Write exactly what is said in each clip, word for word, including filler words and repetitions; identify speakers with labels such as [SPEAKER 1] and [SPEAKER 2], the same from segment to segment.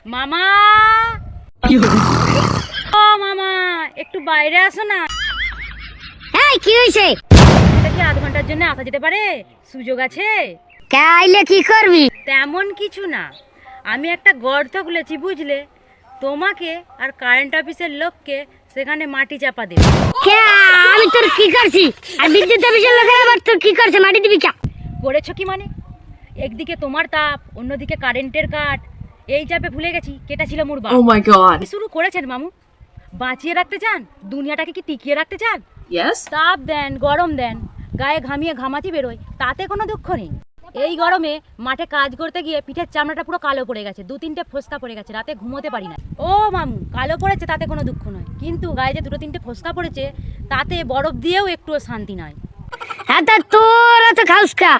[SPEAKER 1] মামা ও মামা একটু বাইরে আসো না।
[SPEAKER 2] এই কি হইছে?
[SPEAKER 1] এটা কি আধ ঘন্টার জন্য আসা যেতে পারে? সুযোগ আছে?
[SPEAKER 2] কে আইলে কি করবি?
[SPEAKER 1] তেমন কিছু না, আমি একটা গর্ত খুলেছি বুঝলে, তোমাকে আর কারেন্ট অফিসের লোককে সেখানে মাটি চাপা দেবে।
[SPEAKER 2] কে আমি তোর কি করছি? আর বিদ্যুৎ অফিসের লোকের আবার তোর কি করছে? মাটি দিবি কে?
[SPEAKER 1] করেছো কি মানে? একদিকে তোমার তাপ, অন্যদিকে কারেন্টের কাট, এই চাপে ভুলে গেছি কেটা ছিল মোর বাপ।
[SPEAKER 3] Oh my god.
[SPEAKER 1] কি শুরু করেছেন মামু? বাঁচিয়ে রাখতে চান দুনিয়াটাকে, কি টিকিয়ে রাখতে চান?
[SPEAKER 3] Yes?
[SPEAKER 1] তাপ দেন, গরম দেন, গায়ে ঘামিয়ে ঘামাচি বেরোয়, তাতে কোনো দুঃখ নেই। এই গরমে মাঠে কাজ করতে গিয়ে পিঠের চামড়াটা পুরো কালো পড়ে গেছে, দু তিনটে ফোসকা পড়ে গেছে, রাতে ঘুমোতে পারি না। ও মামু, কালো পড়েছে তাতে কোনো দুঃখ নয়, কিন্তু গায়ে যে দুটো তিনটে ফোসকা পড়েছে তাতে বরফ দিয়েও একটুও শান্তি নয়।
[SPEAKER 2] হ্যাঁ তা তোর তো খাউসকা,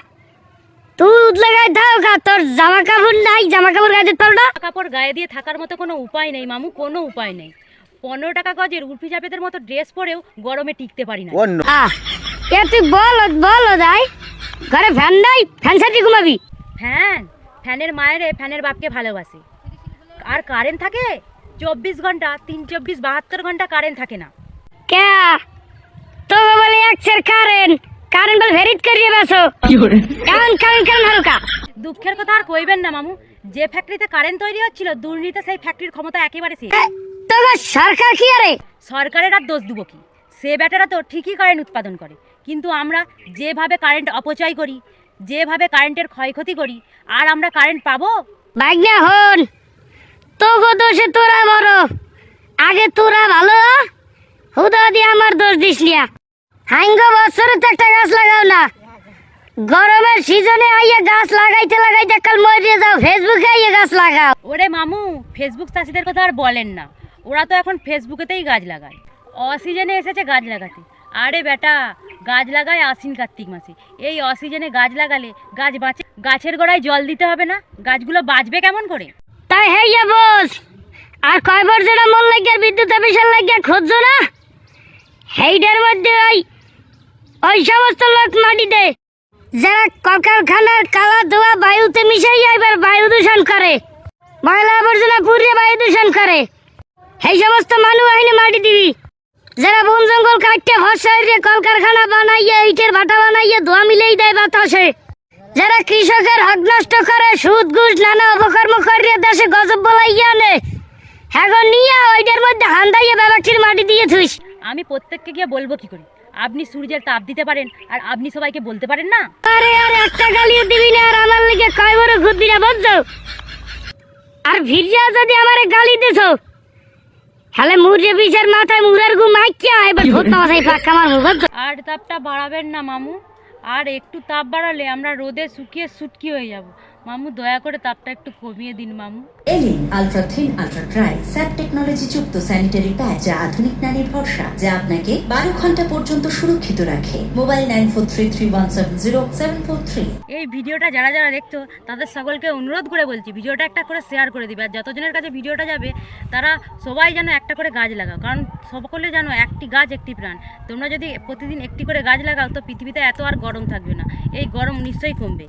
[SPEAKER 2] তুই লাগাই দাও কা, তোর জামা কাপড় নাই, জামা কাপড় গায়ে দিতে পারো না?
[SPEAKER 1] কাপড় গায়ে দিয়ে থাকার মতো কোনো উপায় নেই মামু, কোনো উপায় নেই। পনেরো টাকা গজের উর্ফি জাপেদের মতো ড্রেস পরেও গরমে টিকতে পারি না।
[SPEAKER 2] আহ এ তুই বল বল দাই, ঘরে ফ্যান নাই, ফ্যান সাথে ঘুমাবি?
[SPEAKER 1] ফ্যান ফ্যানের মায়েরে ফ্যানের বাপকে ভালোবাসে। আর কারেন্ট থাকে চব্বিশ ঘন্টা, তিন চব্বিশ বাহাত্তর ঘন্টা কারেন্ট থাকে না।
[SPEAKER 2] কে তো বলে একসের কারেন্ট কারেন্ট বল ভেরিট করিয়ে বেসো কারণ কারণ কারণ হালকা।
[SPEAKER 1] দুঃখের কথা আর কইবেন না মামু, যে ফ্যাক্টরিতে কারেন্ট তৈরি হচ্ছিল দুর্নীতিতে সেই ফ্যাক্টরির ক্ষমতা একেবারে শেষ।
[SPEAKER 2] তো সরকার কি আরে?
[SPEAKER 1] সরকারের আর দোষ দেবো কি, সে ব্যাটারা তো ঠিকই কারেন্ট উৎপাদন করে, কিন্তু আমরা যেভাবে কারেন্ট অপচয় করি, যেভাবে কারেন্টের ক্ষয়ক্ষতি করি, আর আমরা কারেন্ট পাবো?
[SPEAKER 2] ভাগ্নে হন তো গো দোষে তোরা বড়, আগে তোরা ভালো হুদা দিয়ে আমার দোষ দিস নিয়া। হাঙ্গ বছরে তো একটা গাছ লাগাও না, গরমের সিজনে আইয়া গাছ লাগাইতে লাগাইতে কাল মরে যাও, ফেসবুকে আইয়া গাছ লাগাও।
[SPEAKER 1] ওরে মামু, ফেসবুক চাষিদের কথা আর বলেন না, ওরা তো এখন ফেসবুকেতেই গাছ লাগায়, অসিজনে এসেছে গাছ লাগাতে। আরে বেটা, গাছ লাগায় আশ্বিন কার্তিক মাসে, এই অসিজনে গাছ লাগালে গাছ বাঁচে? গাছের গোড়ায় জল দিতে হবে না? গাছগুলো বাঁচবে কেমন করে?
[SPEAKER 2] তাই হেইয়া বস, আর কয় বছর মন লাগিয়া বিদ্যুৎ অফিসের লাগিয়া খুঁজছো না, হেইটার মধ্যে ওই ওই সমস্ত লোক মাটি দেয় যারা কলকারখানার কালা ধোয়া বায়ুতে মিশাইয়া এবার বায়ু দূষণ করে, ময়লা আবর্জনা পুড়িয়ে বায়ু দূষণ করে, সেই সমস্ত মানুষ আইনে মাটি দিবি। যারা বন জঙ্গল কাটতে ফসলে কলকারখানা বানাইয়া ইটের ভাটা বানাইয়া ধোয়া মিলেই দেয় বাতাসে, যারা কৃষকের হক নষ্ট করে, সুদ ঘুষ নানা অপকর্ম করিয়ে দেশে গজব বলাইয়া আনে, এখন নিয়ে ওইটার মধ্যে হান্দাইয়া ব্যাপারটির মাটি দিয়ে থুইস।
[SPEAKER 1] আমি প্রত্যেককে গিয়ে বলবো কি করে? আপনি সূর্যের তাপ দিতে পারেন আর আপনি সবাইকে বলতে পারেন না?
[SPEAKER 2] আরে আরে একটা গালিও দিবি না, আর আমার লিগে কয় বড় ঘুরবি না বুঝছো? আর ভিড়িয়া যদি আমারে গালি দিছো তাহলে মুরজে পিছের মাথায় মুরার গু মাইকিয়া এবার ভূত মাথায় পাক্কা মারবো বুঝছো?
[SPEAKER 1] আর তাপটা বাড়াবেন না মামু, আর একটু তাপ বাড়ালে আমরা রোদে শুকিয়ে সুটকি হয়ে যাব। মামু দয়া করে তাপটা একটু কমিয়ে দিন মামু।
[SPEAKER 4] Elin ultra thin ultra dry SAP technology যুক্ত স্যানিটারি প্যাড, যা আধুনিক নারীর ভরসা, যা আপনাকে বারো ঘন্টা পর্যন্ত সুরক্ষিত রাখে। Mobile nine four three three one seven zero seven four three.
[SPEAKER 1] এই ভিডিওটা যারা যারা দেখছো তাদের সকলকে অনুরোধ করে বলছি, ভিডিওটা একটা করে শেয়ার করে দিবে, আর যতজনের কাছে ভিডিওটা যাবে তারা সবাই যেন একটা করে গাছ লাগাও, কারণ সকলে জানো একটি গাছ একটি প্রাণ। তোমরা যদি প্রতিদিন একটি করে গাছ লাগাও তো পৃথিবীতে এত আর গরম থাকবে না, এই গরম নিশ্চয়ই কমবে।